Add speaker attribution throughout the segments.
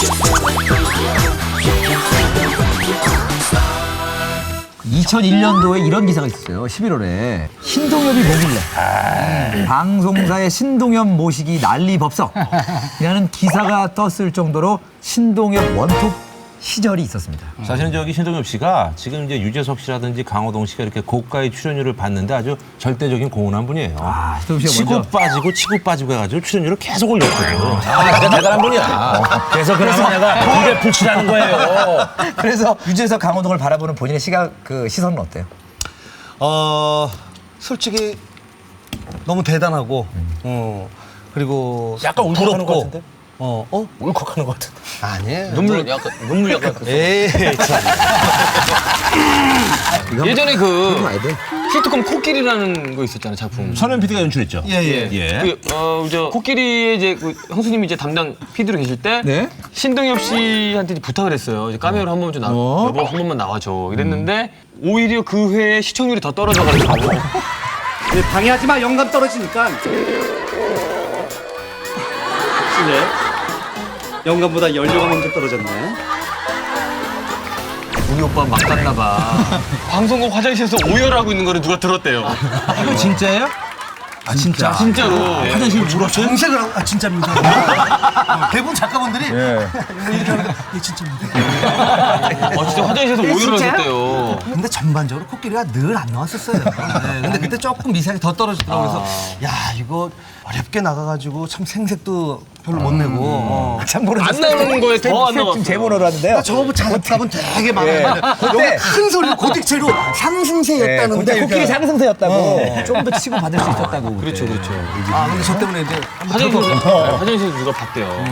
Speaker 1: (2001년도에) 이런 기사가 있었어요. 11월에 신동엽이 뭐길래 방송사의 신동엽 모시기 난리법석이라는 기사가 떴을 정도로 신동엽 원톱 시절이 있었습니다.
Speaker 2: 사실은 저기 신동엽 씨가 지금 이제 유재석 씨라든지 강호동 씨가 이렇게 고가의 출연료를 받는데 아주 절대적인 공헌한 분이에요.
Speaker 1: 신동엽 씨가
Speaker 2: 치고
Speaker 1: 먼저
Speaker 2: 빠지고 치고 빠지고 해가지고 출연료를 계속 올렸거든요. 진짜 대단한 분이야. 그래서 내가 입에 불치라는 거예요.
Speaker 1: 그래서 유재석 강호동을 바라보는 본인의 시선은 어때요?
Speaker 3: 솔직히 너무 대단하고 그리고
Speaker 2: 약간 울컥하는 것 같은데? 울컥하는 것 같은데?
Speaker 3: 아니에요.
Speaker 4: 눈물 약간
Speaker 3: 에이 참.
Speaker 4: 예전에 그
Speaker 1: 와야 돼.
Speaker 4: 시트콤 코끼리라는 거 있었잖아요, 작품.
Speaker 2: 선현 PD가 연출했죠.
Speaker 3: 예.
Speaker 4: 저 코끼리의 이제 그 형수님이 이제 담당 PD로 계실 때
Speaker 1: 네.
Speaker 4: 신동엽 씨한테 이제 부탁을 했어요. 이제 카메오로 한 번만 좀 여보 한 번만 나와줘. 이랬는데 오히려 그 회에 시청률이 더 떨어져가지고
Speaker 5: 방해하지 마. 영감 떨어지니까. 실례. 영감보다 연료가 먼저 떨어졌네.
Speaker 4: 우리 오빠 막 갔나 봐. 방송국 화장실에서 오열하고 있는 거를 누가 들었대요.
Speaker 1: 이거 진짜예요? 아 진짜?
Speaker 4: 진짜로.
Speaker 1: 화장실 물었어요?
Speaker 3: 정색을 하고 진짜입니다. 대부분 작가분들이 이렇게 하는데 진짜입니다.
Speaker 4: 진짜 화장실에서 오열을 하셨대요.
Speaker 3: 근데 전반적으로 코끼리가 늘 안 나왔었어요. 근데 그때 조금 미세하게 더 떨어지더라고요. 그래서 야 이거 어렵게 나가가지고 참 생색도 별로 못 내고
Speaker 1: 참 모르겠어요.
Speaker 4: 안 나오는 거에 더 안 나왔어.
Speaker 1: 지금 제보를 하는데요.
Speaker 3: 저거 작업은 되게 많아요.
Speaker 1: 그때
Speaker 3: 너무 큰 소리로 고딕체로 상승세였다는데
Speaker 1: 그때 코끼리 상승세였다고 좀 더 치고 받을 수 있었다고.
Speaker 4: 그렇죠.
Speaker 3: 아 근데 저 때문에 이제
Speaker 4: 화장실에서 누가 봤대요.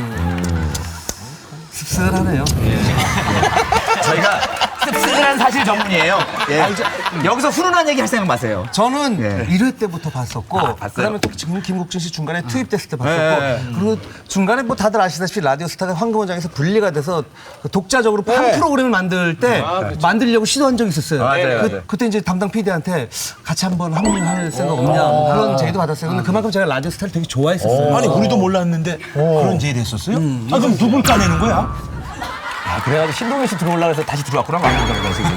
Speaker 3: 씁쓸하네요.
Speaker 1: 저희가 씁쓸한 사실 전문이에요. 여기서 훈훈한 얘기 할 생각 마세요.
Speaker 3: 저는
Speaker 1: 예.
Speaker 3: 1회 때부터 봤었고 그다음에 또 지금 김국진 씨 중간에 투입됐을 때 봤었고 그리고 중간에 뭐 다들 아시다시피 라디오스타가 황금원장에서 분리가 돼서 그 독자적으로 한 프로그램을 만들 때 만들려고 시도한 적이 있었어요.
Speaker 1: 맞아요.
Speaker 3: 그때 이제 담당 PD한테 같이 한번 합류할 생각 없냐 뭐 그런 제의도 받았어요. 근데 그만큼 제가 라디오스타를 되게 좋아했었어요.
Speaker 2: 아니 우리도 몰랐는데 그런 제의를 했었어요? 그럼 누굴 까내는 거야?
Speaker 1: 그래가지고 신동엽 씨 들어오려고 해서 다시 들어왔구나 말인 거예요, 지금.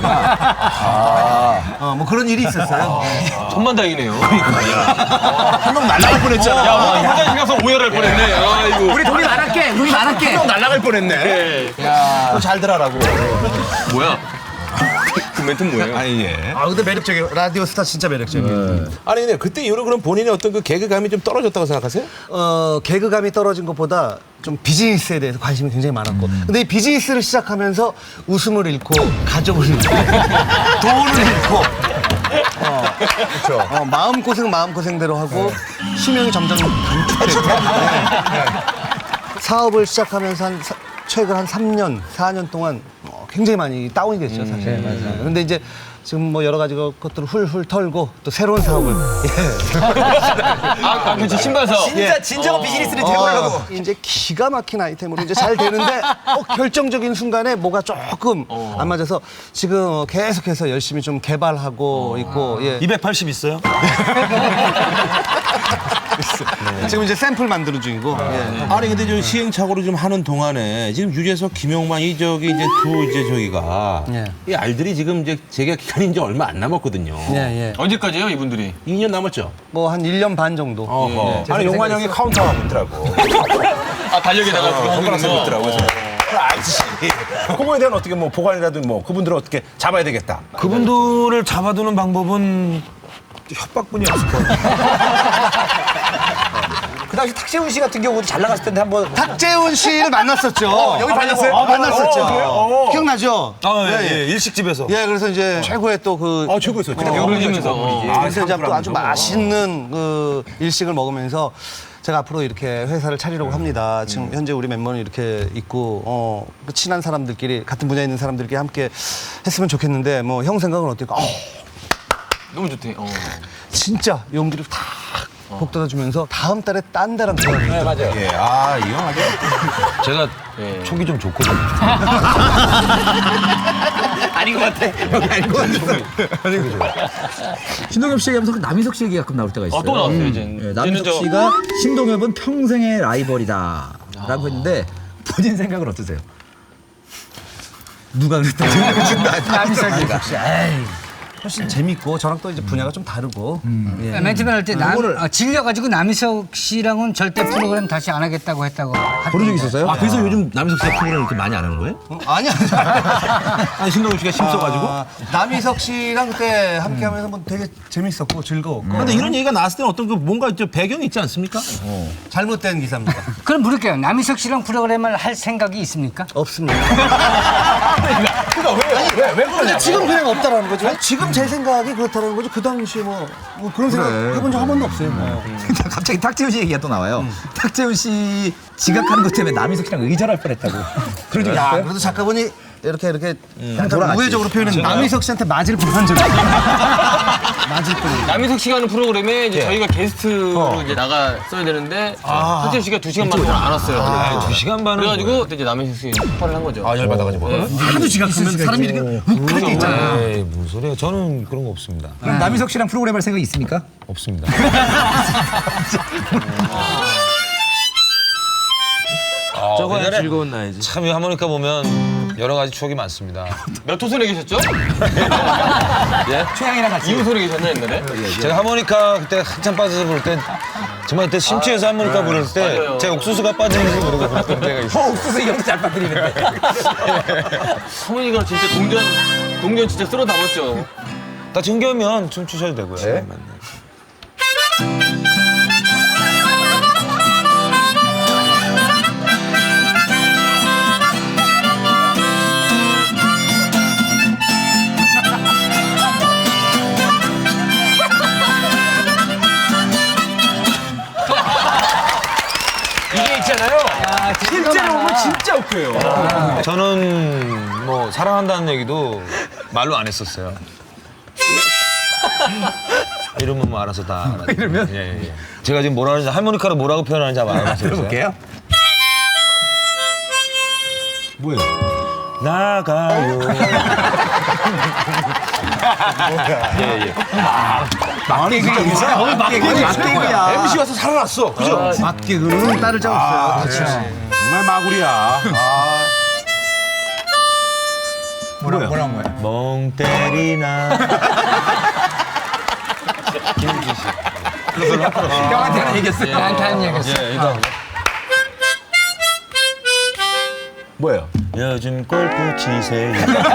Speaker 3: 뭐 그런 일이 있었어요.
Speaker 4: 천만다행이네요.
Speaker 2: 한 명 날아갈 뻔했잖아.
Speaker 4: 야, 화장실 가서 오열할 뻔했네. 아이고.
Speaker 1: 우리 돈이 많았게, 돈이 많았게.
Speaker 2: 한 명 날아갈 뻔했네. 야, 잘 들어라고.
Speaker 4: 뭐야? 그 멘트는 뭐예요?
Speaker 2: 아니 예.
Speaker 3: 아 근데 매력적이에요. 라디오스타 진짜 매력적이에요.
Speaker 2: 아니 근데 그때 이후로 그럼 본인의 어떤 그 개그감이 좀 떨어졌다고 생각하세요?
Speaker 3: 개그감이 떨어진 것보다 좀 비즈니스에 대해서 관심이 굉장히 많았고 근데 이 비즈니스를 시작하면서 웃음을 잃고 가족을 잃고 돈을 잃고 마음고생대로 하고 수명이 점점 단축되고 사업을 시작하면서 최근 한 3년, 4년 동안 굉장히 많이 다운이 됐죠, 사실. 맞아요. 근데 이제 지금 뭐 여러 가지 것들을 훌훌 털고 또 새로운 사업을.
Speaker 4: 그렇지, 신발 사업.
Speaker 1: 진짜 진정한 비즈니스를 해보려고.
Speaker 3: 이제 기가 막힌 아이템으로 이제 잘 되는데 결정적인 순간에 뭐가 조금 안 맞아서 지금 계속해서 열심히 좀 개발하고 있고. 예.
Speaker 2: 280 있어요?
Speaker 3: 지금 이제 샘플 만드는 중이고. 예.
Speaker 2: 아니 근데 저 시행착오를 좀 하는 동안에 지금 유재석, 김용만 이제 저기가
Speaker 3: 예.
Speaker 2: 이 알들이 지금 이제 재계약 기간이 이제 얼마 안 남았거든요.
Speaker 3: 예.
Speaker 4: 언제까지요, 이분들이?
Speaker 2: 2년 남았죠?
Speaker 3: 뭐 한 1년 반 정도.
Speaker 2: 어허. 아니 용만 형이 카운터하고 있더라고.
Speaker 4: 달력에다가
Speaker 2: 손가락 쓰고 있더라고. 그래서 알지. 그거에 대한 어떻게 뭐 보관이라든 뭐 그분들을 어떻게 잡아야 되겠다.
Speaker 6: 그분들을 잡아두는 방법은 협박뿐이었을 거예요.
Speaker 1: 그 당시 탁재훈 씨 같은 경우도 잘 나갔을 텐데 한번.
Speaker 3: 탁재훈 씨를 만났었죠.
Speaker 1: 여기 만났어요?
Speaker 3: 만났었죠. 기억나죠?
Speaker 6: 예, 일식집에서.
Speaker 3: 예, 그래서 이제 최고의 또 그.
Speaker 2: 최고였어요.
Speaker 4: 벽을 지면서.
Speaker 3: 그래서 이제 또 아주 맛있는 그 일식을 먹으면서 제가 앞으로 이렇게 회사를 차리려고 합니다. 지금 현재 우리 멤버는 이렇게 있고, 친한 사람들끼리, 같은 분야에 있는 사람들끼리 함께 했으면 좋겠는데, 뭐 형 생각은 어떨까?
Speaker 4: 너무 좋대.
Speaker 3: 진짜 용기를 탁 북돋아주면서 다음 달에 딴 데랑 전화를
Speaker 1: 네, 맞아요.
Speaker 2: 예, 이 형 아주.
Speaker 6: 제가 촉이 좀 좋거든요.
Speaker 1: 아닌 것 같아. 여기 아닌 것 같아. 신동엽 씨 얘기하면서 남희석 씨 얘기 가끔 나올 때가 있어요.
Speaker 4: 또 나왔어요, 이제.
Speaker 1: 남희석 씨가 신동엽은 평생의 라이벌이다. 라고 했는데 본인 생각은 어떠세요? 누가 그랬다고?
Speaker 3: 남희석 씨. 에이, 훨씬 재밌고 저랑 또 이제 분야가 좀 다르고. 예.
Speaker 7: 맨 처음에 할 때 질려가지고 남희석 씨랑은 절대 프로그램 다시 안 하겠다고 했다고.
Speaker 1: 그런 적 있었어요?
Speaker 2: 아, 그래서 요즘 남희석 씨가 프로그램 이렇게 많이 안 하는 거예요?
Speaker 3: 아니야.
Speaker 2: 아니, 신동엽 씨가 힘써가지고.
Speaker 3: 남희석 씨랑 그때 함께하면서 뭐 되게 재밌었고 즐거웠고.
Speaker 2: 근데 이런 얘기가 나왔을 때는 어떤 그 뭔가 좀 배경이 있지 않습니까?
Speaker 3: 잘못된 기사입니다.
Speaker 7: 그럼 물을게요. 남희석 씨랑 프로그램을 할 생각이 있습니까?
Speaker 3: 없습니다.
Speaker 1: 왜 그러냐?
Speaker 3: 근데 지금 그냥 없다라는 거죠. 아니, 지금 제 생각이 그렇다는 거죠. 그 당시에 뭐 그런 생각 해본 적 한 번도 없어요.
Speaker 1: 갑자기 탁재훈 씨 얘기가 또 나와요. 탁재훈 씨 지각하는 것 때문에 남희석 씨랑 의절할 뻔했다고. 그런 적
Speaker 3: 야,
Speaker 1: 있어요?
Speaker 3: 그래도 작가분이 이렇게
Speaker 1: 돌아갔지.
Speaker 3: 우회적으로 표현했는데 남희석 씨한테 맞을 뻔한 적이 있어요. 맞을 뻔.
Speaker 4: 남희석 씨가 하는 프로그램에 이제 저희가 게스트로 이제 나갔어야 되는데 탁재훈 씨가 2시간 반 동안 안 왔어요.
Speaker 6: 2시간 반은
Speaker 4: 그래가지고 그때 이제 남희석 씨 폭발을 한 거죠.
Speaker 6: 아, 열받아가지고.
Speaker 1: 하도 지각하면 사람이 이렇게 욱할 때 있잖아요.
Speaker 6: 에이, 무슨 소리야. 저는 그런 거 없습니다.
Speaker 1: 그럼 남희석 씨랑 프로그램 할 생각 있습니까?
Speaker 6: 없습니다.
Speaker 2: 저거
Speaker 6: 옛날에
Speaker 2: 즐거운 나이지.
Speaker 6: 참 이 하모니카 보면 여러 가지 추억이 많습니다.
Speaker 4: 몇 호선에 계셨죠?
Speaker 1: 최양이랑 같이.
Speaker 4: 2호선에 계셨나 옛날에?
Speaker 6: 제가 하모니카 그때 한참 빠져서 부를 때 정말 그때 심취해서 하모니카 부를 때
Speaker 4: 맞아요.
Speaker 6: 제 옥수수가 빠지는지 모르고 불렀던 때가 있어요.
Speaker 1: 옥수수 이 형도 잘 빠뜨리는데.
Speaker 4: 하모니가 진짜 동전 진짜 쓸어 담았죠.
Speaker 6: 다 정겨우면 춤 추셔도 되고요. 네?
Speaker 1: 이게 있잖아요. 실제로 오면 진짜 웃겨요.
Speaker 6: 저는 뭐 사랑한다는 얘기도 말로 안 했었어요. 이러면 뭐 알아서 다 알아요.
Speaker 1: 이러면?
Speaker 6: 예. 제가 지금 뭐라 하는지 하모니카로 뭐라고 표현하는지 한번 알아보세요.
Speaker 1: 들어볼게요.
Speaker 6: 나가요.
Speaker 1: 막개그가 있어요. 막개그야.
Speaker 2: MC 와서 살아났어. 그죠?
Speaker 3: 맞기는 딸을 짜고 있어요.
Speaker 2: 정말 마구리야.
Speaker 1: 뭐라는 거야?
Speaker 6: 멍 때리나.
Speaker 1: 형한테 하는 얘기였어요.
Speaker 7: 나한테 하는 얘기였어.
Speaker 1: 뭐예요?
Speaker 6: 요즘 골프 치세요.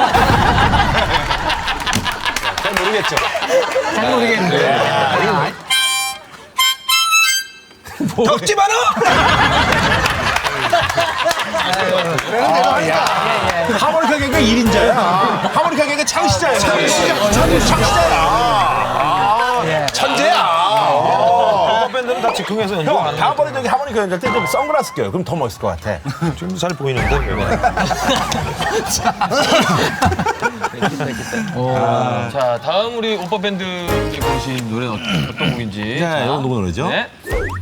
Speaker 6: 잘 모르겠죠?
Speaker 7: 잘 모르겠는데.
Speaker 2: 덕지 마라! 하모니카 개가 1인자야. 하모니카 개가 창시자야. 창시자야. 천재야.
Speaker 6: 밴드는 다 즉흥해서 연주하는.
Speaker 2: 다음번에 저기 하모니카 연주할 때 좀 선글라스 껴요. 그럼 더 멋있을 것 같아.
Speaker 6: 지금도 잘 보이는데.
Speaker 4: 자, 다음 우리 오빠 밴드에 부르신 노래는 어떤 곡인지.
Speaker 2: 자, 이거 누구 노래죠?
Speaker 4: 네.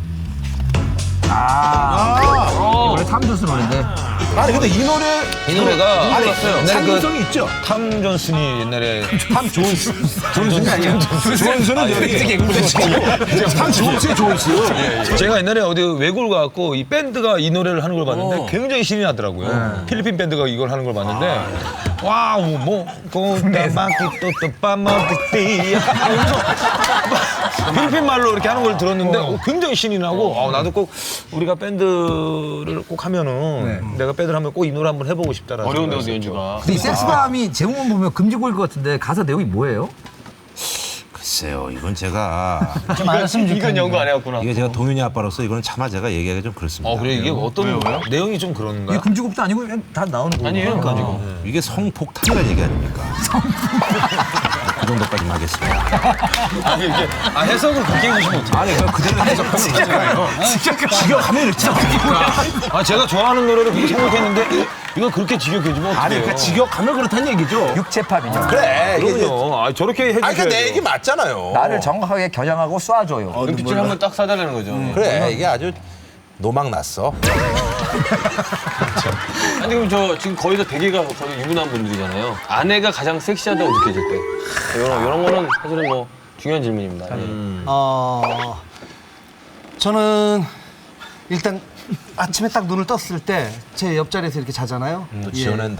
Speaker 1: 원래 탐조스 노래인데.
Speaker 2: 아니 근데 이 노래
Speaker 6: 이 노래가
Speaker 2: 아니
Speaker 6: 옛날에
Speaker 2: 상징성이 있죠.
Speaker 6: 탐 존슨이 옛날에
Speaker 2: 탐 존스. 존슨이 아니야. 존슨은 저기 탐 존스의 존스.
Speaker 6: 제가 옛날에 어디 외국을 가갖고 이 밴드가 이 노래를 하는 걸 봤는데 굉장히 신이 나더라고요. 필리핀 밴드가 이걸 하는 걸 봤는데 와우 뭐 고다마키 또또 빠마띠 필리핀 말로 이렇게 하는 걸 들었는데 굉장히 신이 나고 나도 꼭 우리가 밴드를 꼭 하면은 내가 밴드를 하면 꼭 이 노래 한번 해보고 싶다라는
Speaker 4: 어려운데
Speaker 6: 생각이
Speaker 4: 어디
Speaker 6: 있었죠.
Speaker 4: 연주가.
Speaker 1: 근데 이 섹스밤이 제목만 보면 금지곡일 것 같은데 가사 내용이 뭐예요?
Speaker 2: 글쎄요, 이건 제가
Speaker 7: 좀 알았으면 좋겠네.
Speaker 4: 이건 연구 안 해왔구나.
Speaker 2: 이게 제가 동윤이 아빠로서 이거는 차마 제가 얘기하기 좀 그렇습니다.
Speaker 6: 그래 이게 어떤 내용이 좀
Speaker 1: 이게
Speaker 6: 그런가요?
Speaker 1: 금지곡도 아니고 그냥 다 나오는 거예요.
Speaker 4: 아니에요.
Speaker 6: 그러니까
Speaker 2: 이게 성폭탄이라는 얘기 아닙니까? 그 정도까지만 하겠습니다.
Speaker 6: 해석을 그렇게 해주시면 어떡해요?
Speaker 2: 아니, 그럼 그대로 해석하면 직역하면 진짜
Speaker 6: 제가 좋아하는 노래를 그렇게 생각했는데 이거 그렇게 직역해주면 어떡해요?
Speaker 2: 아니, 그러니까 직역하면 그렇다는 얘기죠.
Speaker 1: 육체팝이죠.
Speaker 2: 그래.
Speaker 6: 그럼요. 저렇게 해주셔야죠.
Speaker 2: 아니, 그러니까 내 얘기 맞잖아요.
Speaker 1: 나를 정확하게 겨냥하고 쏴줘요.
Speaker 4: 눈빛을 한번 딱 쏴달라는 거죠.
Speaker 2: 그래, 이게 아주 노망 났어.
Speaker 4: 아니 그럼 저 지금 거의 다 대개가 거의 유부남 분들이잖아요. 아내가 가장 섹시하다고 느껴질 때. 이런 거는 사실은 뭐 중요한 질문입니다. 예.
Speaker 3: 저는 일단 아침에 딱 눈을 떴을 때 제 옆자리에서 이렇게 자잖아요.
Speaker 2: 또 지어낸다.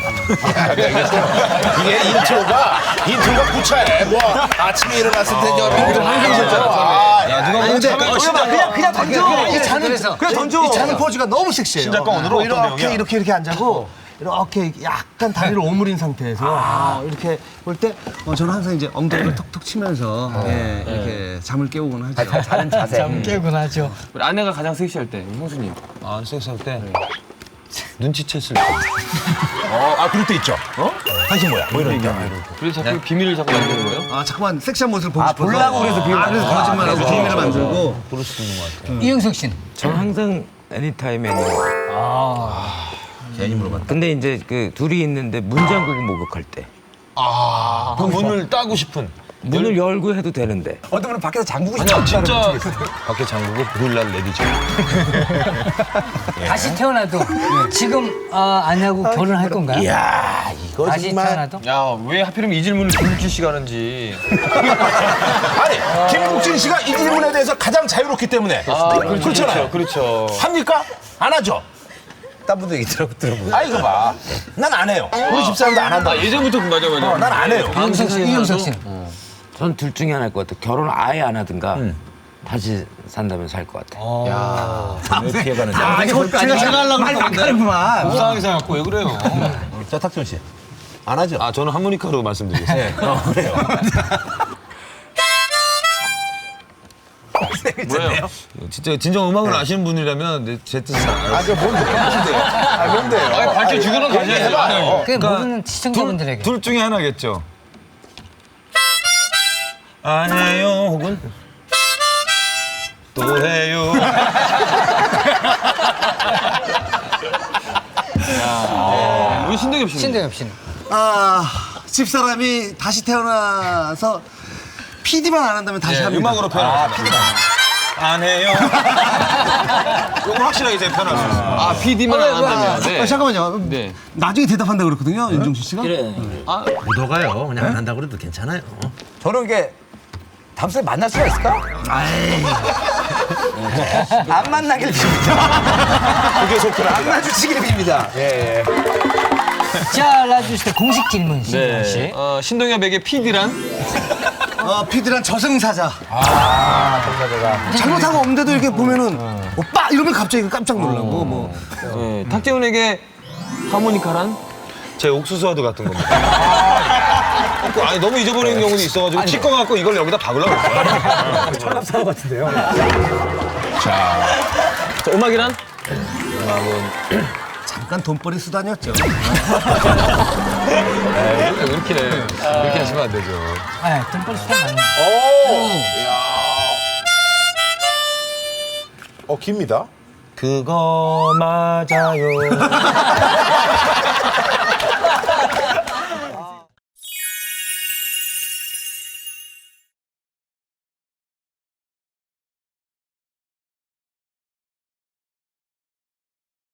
Speaker 2: 이게 인트로가 구차해. 뭐 아침에 일어났을 때
Speaker 6: 야, 누가
Speaker 3: 근데
Speaker 1: 그냥 던져.
Speaker 3: 이 자는
Speaker 7: 그래서
Speaker 1: 그냥 던져.
Speaker 3: 이 자는 포즈가 너무 섹시해요.
Speaker 6: 신작가 오늘은 어떤 내용이야?
Speaker 3: 이렇게 안 자고 이렇게 약간 다리를 오므린 상태에서 이렇게 볼 때 저는 항상 이제 엉덩이를 톡톡 치면서 이렇게 잠을 깨우곤 하죠.
Speaker 1: 자는 자세.
Speaker 7: 깨곤 하죠.
Speaker 4: 우리 아내가 가장 섹시할 때 형수님.
Speaker 6: 아, 섹스할 때 눈치챘을 때.
Speaker 2: 그럴 때 있죠. 당신 뭐야? 뭐 이러니까.
Speaker 4: 그래서 자꾸 비밀을 자꾸 만드는 거예요?
Speaker 3: 자꾸만 섹시한 모습을 보고 싶어서
Speaker 1: 보려고 그래서 비밀을
Speaker 3: 그래서 거짓말하고 비밀을 만들고
Speaker 2: 그럴 수도 있는 것 같아요.
Speaker 7: 이영석 씨는?
Speaker 8: 저는 항상 애니타임 애니.
Speaker 2: 괜히 물어봤다.
Speaker 8: 근데 이제 그 둘이 있는데 문 잠그고 목욕할 때
Speaker 6: 그 문을 따고 싶은.
Speaker 8: 문을 열고 해도 되는데
Speaker 1: 어떤 분은 밖에서 잠그고 싶다.
Speaker 6: 아니야, 진짜 밖에 잠그고 그일날 내리죠.
Speaker 7: 다시 태어나도 지금 아내하고 결혼할 건가요?
Speaker 2: 이야, 이거
Speaker 7: 다시
Speaker 2: 정말.
Speaker 7: 태어나도?
Speaker 4: 야, 왜 하필이면 이 질문을 김국진 씨가 하는지.
Speaker 2: 아니, 김국진 씨가 이 질문에 대해서 가장 자유롭기 때문에. 그렇잖아요.
Speaker 4: 그렇죠.
Speaker 2: 합니까? 안 하죠?
Speaker 1: 딴 분도 얘기 들어보고.
Speaker 2: 아, 이거 봐. 난 안 해요. 우리 집사람도 안 한다.
Speaker 4: 예전부터 맞아.
Speaker 2: 난 안 해요.
Speaker 7: 이영석 씨는?
Speaker 8: 전 둘 중에 하나일 것 같아요. 결혼 아예 안 하든가 다시 산다면 살 것 같아요.
Speaker 2: 왜 피해가는지.
Speaker 3: 제가 하려고
Speaker 1: 많이 바뀌는구만.
Speaker 6: 불쌍하게 생각하고 왜 그래요?
Speaker 2: 자, 탁준 씨. 안 하죠?
Speaker 6: 아, 저는 하모니카로 말씀드리겠습니다.
Speaker 2: 그래요.
Speaker 4: 뭐예요?
Speaker 6: 진짜 진정 음악을 아시는 분이라면 제 뜻은 알아요.
Speaker 2: 그 뭔데요?
Speaker 4: 아니, 밝혀주고는 가셔야죠.
Speaker 7: 그게 모르는 시청자분들에게.
Speaker 6: 둘 중에 하나겠죠. 안 해요 혹은 또 해요.
Speaker 4: 우리 신동엽 씨.
Speaker 7: 신대엽 씨는?
Speaker 3: 집사람이 다시 태어나서 PD만 안 한다면 다시 합니다.
Speaker 6: 음악으로 표현하겠습니다. 안 해요. 이건 확실하게 제가 표현할 수 있어요.
Speaker 4: 아, PD만 안 한다면. 네.
Speaker 3: 잠깐만요.
Speaker 4: 네.
Speaker 3: 나중에 대답한다고 그랬거든요, 윤종신 씨가.
Speaker 2: 묻어가요. 그냥 안 한다고 그래도 괜찮아요.
Speaker 1: 저는 이게 다음 주에 만날 수가 있을까? 안 만나길 빕니다.
Speaker 2: 그게 속도라.
Speaker 1: 안 마주치기를 빕니다. 예.
Speaker 7: 자, 라디오시대 공식 질문, 신동 씨.
Speaker 4: 신동엽에게 PD란?
Speaker 3: PD란 저승사자. 잘못하고 없는데도 이렇게 보면은 오빠 이러면 갑자기 깜짝 놀라고 뭐.
Speaker 4: 네. 탁재훈에게 하모니카란?
Speaker 6: 제 옥수수와도 같은 겁니다. 아니 너무 잊어버리는 경우도 있어가지고 치과 갖고 이걸 여기다 박으려고 했어요.
Speaker 1: 철갑사고 같은데요.
Speaker 4: 자, 음악이란?
Speaker 3: 잠깐 돈벌이 수단이었죠.
Speaker 6: 그렇게 하시면 안 되죠.
Speaker 7: 돈벌이 수단 맞네.
Speaker 2: 깁니다.
Speaker 6: 그거 맞아요.